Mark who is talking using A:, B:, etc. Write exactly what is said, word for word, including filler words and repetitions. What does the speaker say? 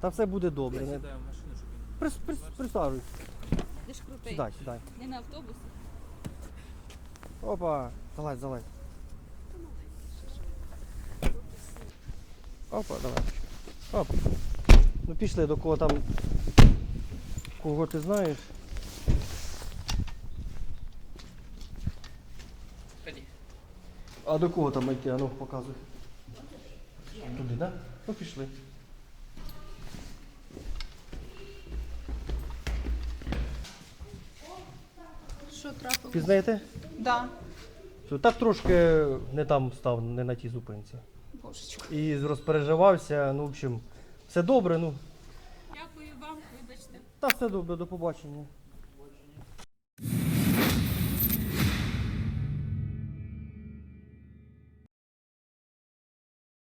A: Та все буде добре.
B: Я
A: Не...
B: сідаю в машину, щоб він...
A: Прис, прис, присаджуйся.
C: Ти ж крутий.
A: Сідай, сідай.
C: Не на автобусі.
A: Опа, залазь, залазь. Опа, давай. Оп. Ну пішли до кого там. Кого ти знаєш?
B: Ході.
A: А до кого там йти? А ну показуй. Туди, так? Да? Ну пішли.
C: Що трапилось?
A: Пізнаєте?
C: Да.
A: Що, так трошки не там став, не на тій зупинці.
C: Божечко.
A: І розпереживався, ну, в общем, все добре, ну.
C: Дякую вам, вибачте.
A: Та все добре, до побачення.